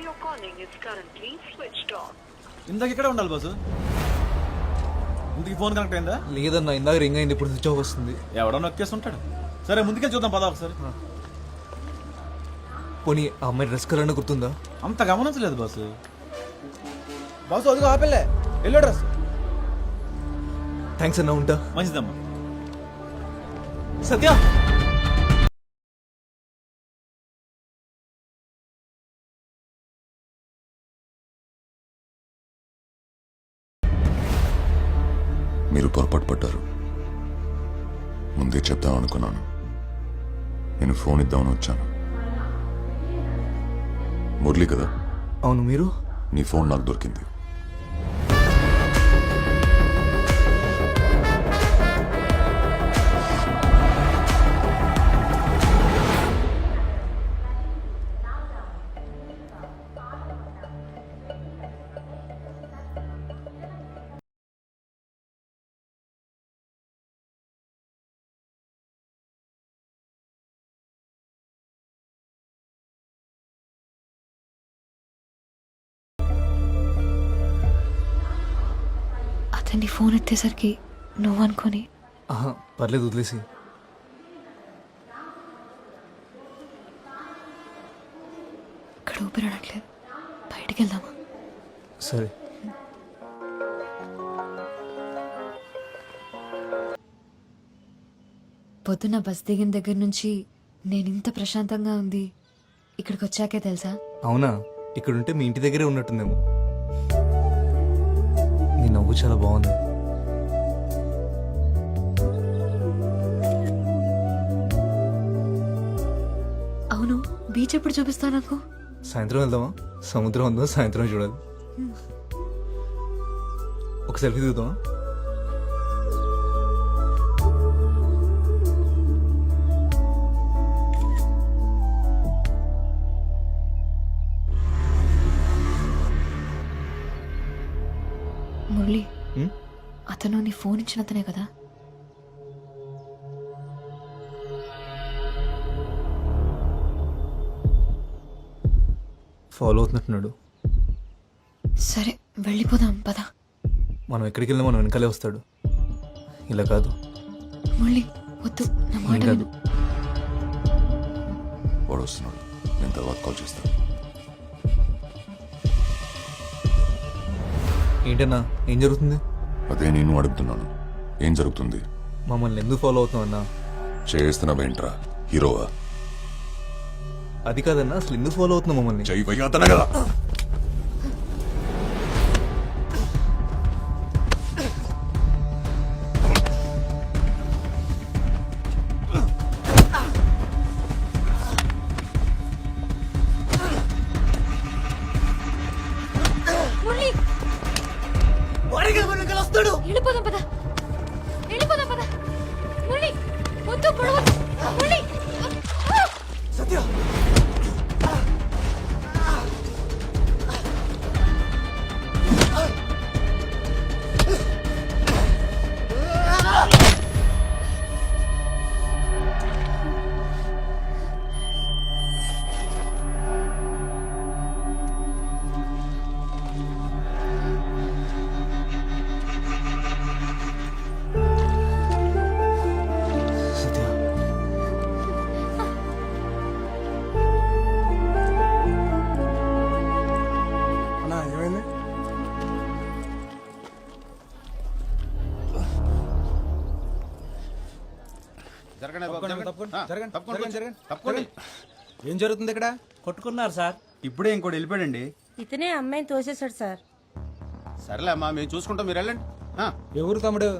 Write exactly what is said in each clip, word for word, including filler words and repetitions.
you're calling is currently switched off. ఇందాక ఇక్కడే ఉండాలి బాసు. ఇందుకు ఫోన్ కనెక్ట్ అయిందా? లేదన్నా, ఇందాక రింగ్ అయింది, ఇప్పుడు స్విచ్ ఆఫ్ వస్తుంది. ఎవడో నొక్కేసి ఉంటాడు. సరే ముందుకెళ్ళి చూద్దాం పదా ఒకసారి. పోనీ ఆ అమ్మాయి డ్రెస్ కలర్ గుర్తుందా? అంత గమనించలేదు బాసు. బాసు అదిగో ఆపెళ్ళే ఎల్లో డ్రెస్. థ్యాంక్స్ అన్నా, ఉంటా. మంచిదమ్మా. సత్య, మీరు పొరపాటు పడ్డారు. ముందే చెప్దాం అనుకున్నాను. నేను ఫోన్ ఇద్దామని వచ్చాను. మురళి కదా? అవును. మీరు? నీ ఫోన్ నాకు దొరికింది. అతన్ని ఫోన్ ఎత్తేసరికి నువ్వు అనుకొని. ఆహా, పర్లేదు, వదిలేసి. ఇక్కడ ఊపిరాడట్లేదు, బయటికి వెళ్దామా? సరే. పొద్దున్న బస్ దిగిన దగ్గర నుంచి నేను ఇంత ప్రశాంతంగా ఉంది ఇక్కడికి వచ్చాకే తెలుసా? అవునా? ఇక్కడుంటే మీ ఇంటి దగ్గరే ఉన్నట్టుందేమో. నీ నవ్వు చాలా బాగుంది. అవును, బీచ్ ఎప్పుడు చూపిస్తా నాకు? సాయంత్రం వెళ్దామా? సముద్రం ఉందో సాయంత్రం చూడాలి. ఒక సెల్ఫీ దిగుదామా? మురళి, అతను నీ ఫోన్ ఇచ్చిన అతనే కదా? ఫాలో అవుతున్నట్టున్నాడు. సరే వెళ్ళిపోదాం పదా. మనం ఎక్కడికి వెళ్ళినా మనం వెనకాలే వస్తాడు. ఇలా కాదు. మురళి వద్దు, నా మాట కాదు. విను. వాడు వస్తున్నాడు, నేను తర్వాత కాల్ చేస్తాను. ఏంటన్నా, ఏం జరుగుతుంది? అదే నేను అడుగుతున్నాను, ఏం జరుగుతుంది? మమ్మల్ని ఎందుకు ఫాలో అవుతున్నావు అన్నా? చేస్తున్నావేంట్రా, హీరోవా? అది కాదన్నా, అసలు ఎందుకు ఫాలో అవుతున్నావు మమ్మల్ని? జై వయ్యాతన కదా. వెళ్ళిపోదాం పదా, వెళ్ళిపోదాం పదా. మురళి వద్దు, పొడవ. మురళి సత్య, ఏం జరుగుతుంది ఇక్కడ? కొట్టుకున్నారు సార్. ఇప్పుడే ఇంకోటి వెళ్ళిపోయాడండి. ఇతనే అమ్మాయిని తోసేశాడు సార్. సరేలే అమ్మా, మేము చూసుకుంటాం, మీరు వెళ్ళండి. ఎవరు తమ్ముడు?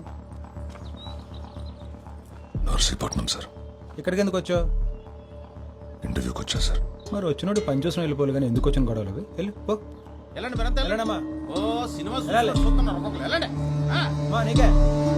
నర్సీపట్నం సార్. ఇక్కడికి ఎందుకు వచ్చావు? ఇంటర్వ్యూకి వచ్చా సార్. మరి వచ్చినోడు పని చూసిన వెళ్ళిపోవాలి కానీ ఎందుకు వచ్చిన గొడవలు? వెళ్ళి పో. వెళ్ళండి మీరంతా వెళ్ళండి. వెళ్ళండమ్మా. ఓ సినిమా వెళ్ళాలి. చూస్తున్నారు ఒక్కొక్కరు, వెళ్ళండి. ఆ. మా నీకే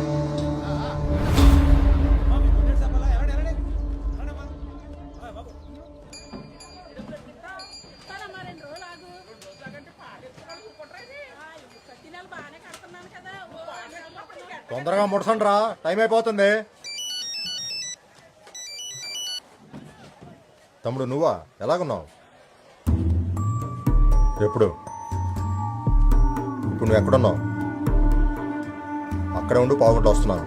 తొందరగా ముడసండి రా, టైం అయిపోతుంది. తమ్ముడు నువ్వా? ఎలాగున్నావు? ఎప్పుడు ఇప్పుడు నువ్వు ఎక్కడున్నావు? అక్కడే ఉండి పావుగంట వస్తున్నాను.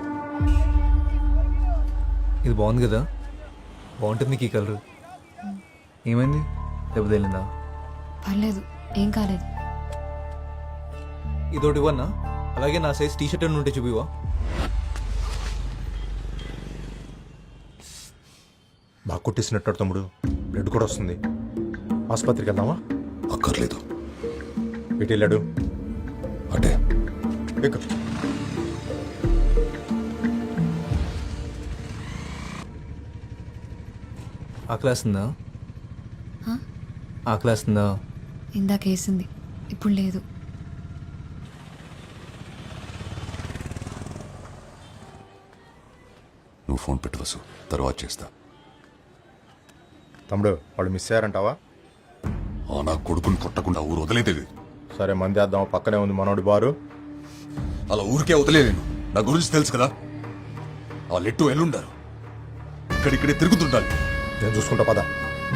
ఇది బాగుంది కదా, బాగుంటుంది నీకు ఈ కలర్. ఏమైంది, దెబ్బ తగిలిందా? పర్లేదు, ఏం కాలేదు. ఇదోటి ఇవ్వన్నా, అలాగే నా సైజ్ టీ షర్ట్ ఉంటే చూపివా? బాగా కొట్టేసినట్టు తమ్ముడు, బ్లడ్ కూడా వస్తుంది. ఆసుపత్రికి వెళ్దామా? అక్కర్లేదు. ఇటు వెళ్ళాడు. అంటే ఎక్కు. ఆకలేస్తుందా? ఆకలేస్తుందా? ఇందాక వేసింది, ఇప్పుడు లేదు. నువ్వు ఫోన్ పెట్టు వసు, తర్వాత చేస్తా. తమ్ముడు వాళ్ళు మిస్ అయ్యారంటావా? ఆ నా కొడుకుని కొట్టకుండా ఊరు వదిలేదేవి. సరే మంది వేద్దాం, పక్కనే ఉంది మనోడి బారు. అలా ఊరికే వదిలేను. నా గురించి తెలుసు కదా, ఆ లెట్టు ఎల్లుండారు. ఇక్కడిక్కడే తిరుగుతుండాలి. నేను చూసుకుంటా పద.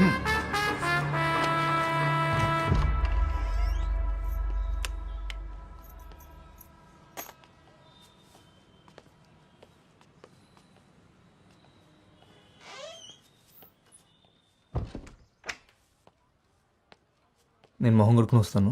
నేను మొహం కొడుకుని వస్తాను.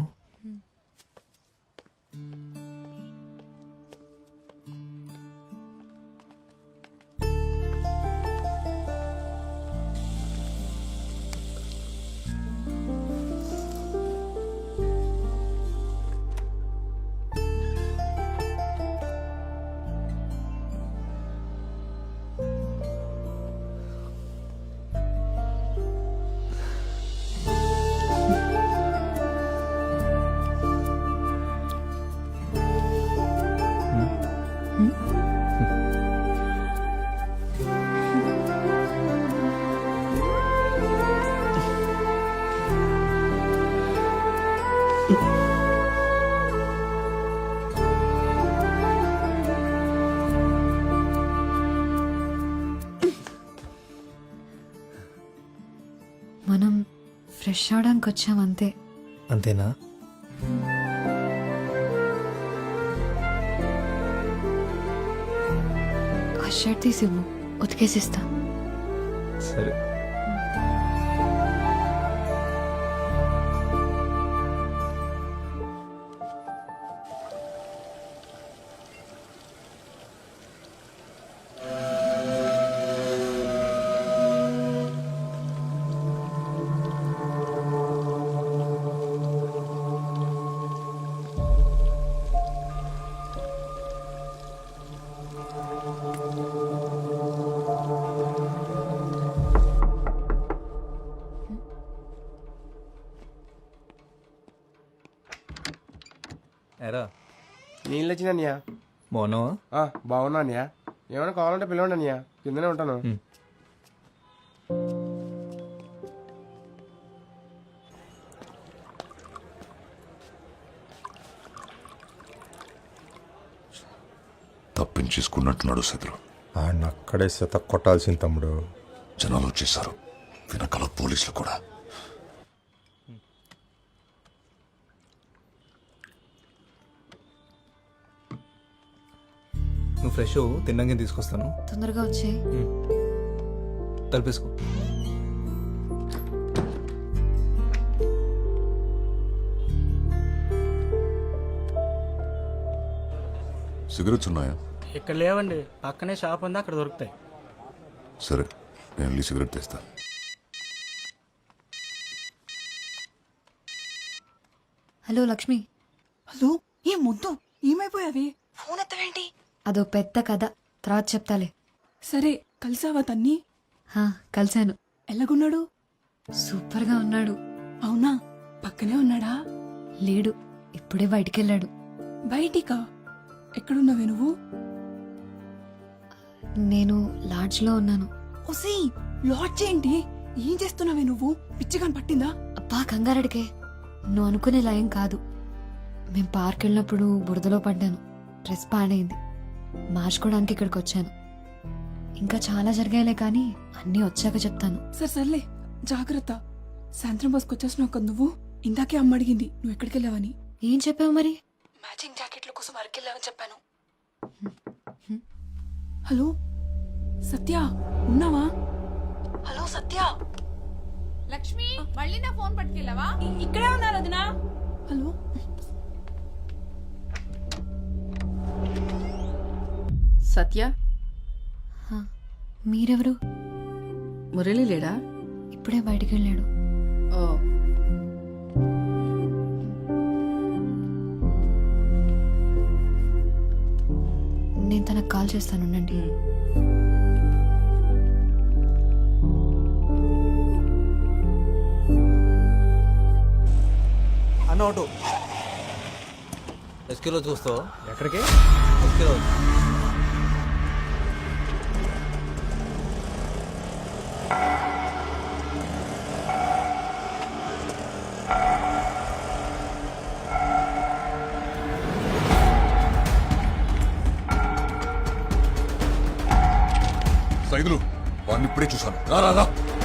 మనం ఫ్రెష్ అవడానికి వచ్చాం అంతే. అంతేనా? ఆ షర్ట్ తీసివ్వు, ఉతికేసిస్తా. సరే. ఎరా నీళ్ళు వచ్చినయ్యా. బాగున్నావా? బాగున్నా అన్నయ్య. ఏమైనా కావాలంటే పిలవండి అన్నయ్య, కిందనే ఉంటాను. తప్పించేసుకున్నట్టున్నాడు శత్రు. ఆయన అక్కడే శత కొట్టాల్సింది తమ్ముడు. జనాలు వచ్చేసారు, వెనకాల పోలీసులు కూడా. నువ్వు ఫ్రెష్ తిన్నాకే తీసుకొస్తాను. తొందరగా వచ్చే. తలపేసుకో. సిగరెట్స్ ఉన్నాయా? ఇక్కడ లేవండి, పక్కనే షాప్ ఉంది, అక్కడ దొరుకుతాయి. సరే, నేను వెళ్ళి సిగరెట్ తెస్తా. హలో లక్ష్మి. హలో, ఏ ముద్దు ఏమైపోయావి? ఫోన్ ఎత్తవేంటి? అదో పెద్ద కథ, తర్వాత చెప్తాలే. సరే, కలిసావా తన్ని? హా, కలిశాను. ఎలాగున్నాడు? సూపర్గా ఉన్నాడు. అవునా, పక్కనే ఉన్నాడా? లేడు, ఇప్పుడే బయటికెళ్ళాడు. బయటికా? ఎక్కడున్నావే నువ్వు? నేను లాడ్జ్లో ఉన్నాను. ఒసీ, లాడ్జ్ ఏంటి? ఏం చేస్తున్నావే నువ్వు? పిచ్చిగా పట్టిందా? అబ్బా కంగారడికే, నువ్వు అనుకునే లయం కాదు. మేం పార్క్ వెళ్ళినప్పుడు బురదలో పడ్డాను, డ్రెస్ పాడైంది, మార్చుకోవడానికి ఇక్కడికి వచ్చాను. ఇంకా చాలా జరిగాయిలే కానీ అన్నీ వచ్చాక చెప్తాను. సరే సర్లే, జాగ్రత్త. సాయంత్రం బస్కి వచ్చేసినావు కదా నువ్వు. ఇందాకే అమ్మ అడిగింది నువ్వు ఎక్కడికి వెళ్ళావని. ఏం చెప్పావు మరి? మ్యాచింగ్ జాకెట్ల కోసం అరకెళ్ళావని చెప్పాను. హలో సత్య, ఉన్నావా? హలో సత్య. లక్ష్మి మళ్ళీ నా ఫోన్ పట్టుకెళ్ళావా? ఇక్కడే ఉన్నారు వదినా. హలో సత్య, హా, మీరెవరు? మురళి లేడా? ఇప్పుడే బయటికి వెళ్ళాడు. ఓ నేను తనకు కాల్ చేస్తాను, ఉండండి. అన్న ఆటో ఎస్కేలో చూస్తావా? ఎక్కడికి? ఎస్కేలో సైదులు వాడిని ఇప్పుడే చూశాను. రా రా రా.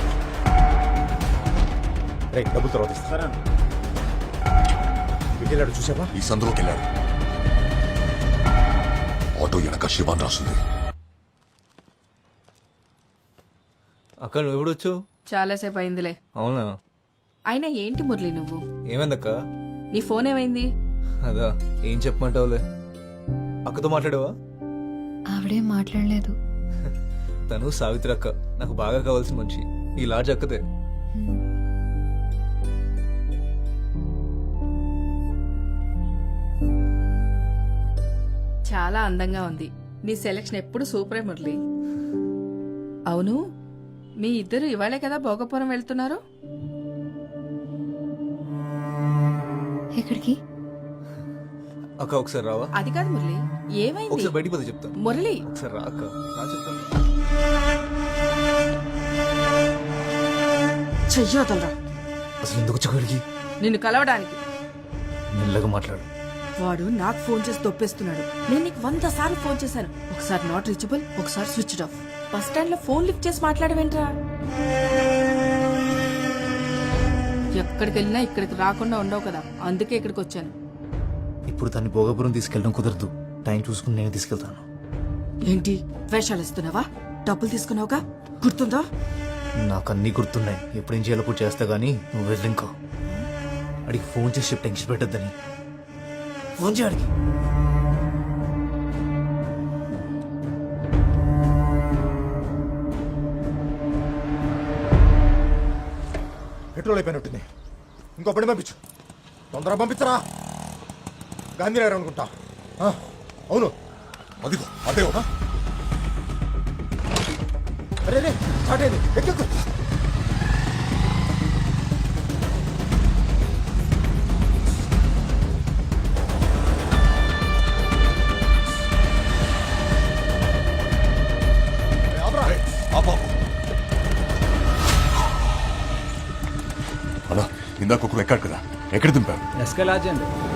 రే డబ్బులు తర్వాత ఇస్తా. సరే వెళ్ళాడు చూసావా? ఈ సందులోకి వెళ్ళాడు. ఆటో వెనక శివాన్ రాస్తుంది. అక్క నువ్వు ఎప్పుడు వచ్చావు? చాలాసేపు అయిందిలే. అవునా? అయినా ఏంటి మురళి నువ్వు? ఏమైందక్క? నీ ఫోన్ ఏమైంది? అదా ఏం చెప్పమంటావులే. అక్కతో మాట్లాడావా? ఆవిడేం మాట్లాడలేదు. తను సావిత్రి అక్క, నాకు బాగా కావాల్సిన మనిషి. ఈ లాడ్జ్ అక్కతే. హ్మ్. చాలా అందంగా ఉంది. నీ సెలక్షన్ ఎప్పుడు సూపరే మురళి. అవును, మీ ఇద్దరు ఇవాళే కదా భోగపురం వెళ్తున్నారు? ఎక్కడికి? అక్క ఒకసారి రావా? అది కాదు మురళి, ఏమైంది? ఒకసారి బయటికి పోతే చెప్తాను. మురళి ఒకసారి రా అక్క, రా చెప్తాను. చెయ్యొదలరా. అసలు ఎందుకు వచ్చి నిన్ను కలవడానికి. మెల్లగా మాట్లాడు. వాడు నాకు ఫోన్ చేసి తొప్పేస్తున్నాడు. నేను నీకు వంద సార్లు ఫోన్ చేశాను. ఒకసారి నాట్ రీచబుల్, ఒకసారి స్విచ్ ఆఫ్. బస్ స్టాండ్ లో ఫోన్ లిఫ్ట్ చేసి మాట్లాడవేంట్రా? ఎక్కడికి వెళ్ళినా ఇక్కడికి రాకుండా ఉండవు కదా, అందుకే ఇక్కడికి వచ్చాను. ఇప్పుడు దాన్ని భోగపురం తీసుకెళ్ళడం కుదరదు. టైం చూసుకుని నేను తీసుకెళ్తాను. ఏంటి వేషాలు ఇస్తున్నావా? డబ్బులు తీసుకున్నావుగా, గుర్తుందా? నాకు అన్నీ గుర్తున్నాయి. ఎప్పుడేం చేయాలో కూడా చేస్తా గానీ నువ్వు వెళ్ళి ఇంకో అడిగి ఫోన్ చేసి చెప్పి టెన్షన్ పెట్టద్దని. ఫోన్ చేయడికి. పెట్రోల్ అయిపోయినట్టుంది. ఇంకో పని పంపించు. తొందరగా పంపించరా. గాంధీనగర్ అనుకుంటా. ఆ, అవును. అదిగో అదే. అరే రే స్టార్ట్ అయింది. ఎక్కెక్కు. అలా ఇందాక ఒకరు ఎక్కాడు కదా, ఎక్కడ దింపారు? ఎస్కే లాడ్జ్ అండి.